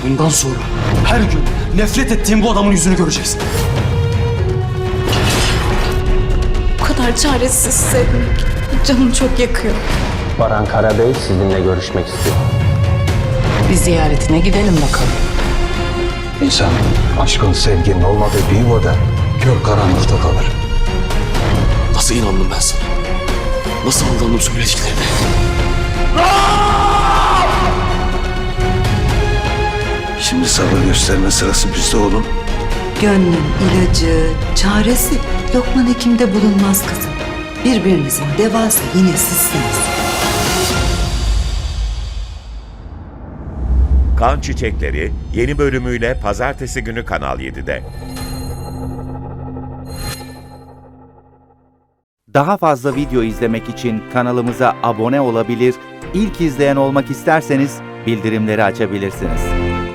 Bundan sonra her gün nefret ettiğim bu adamın yüzünü göreceksin. Bu kadar çaresiz hissetmek canım çok yakıyor. Baran Karabey sizinle görüşmek istiyor. Bir ziyaretine gidelim bakalım. İnsan aşkın, sevginin olmadığı bir yuvada kör karanlıkta kalır. Nasıl inandım ben sana? Nasıl aldandım söylediklerine? Şimdi sabır gösterme sırası bizde oğlum. Gönlün ilacı, çaresi Lokman Hekim'de bulunmaz kızım. Birbirinizin devası yine sizsiniz. Kan Çiçekleri yeni bölümüyle pazartesi günü Kanal 7'de. Daha fazla video izlemek için kanalımıza abone olabilir, ilk izleyen olmak isterseniz bildirimleri açabilirsiniz.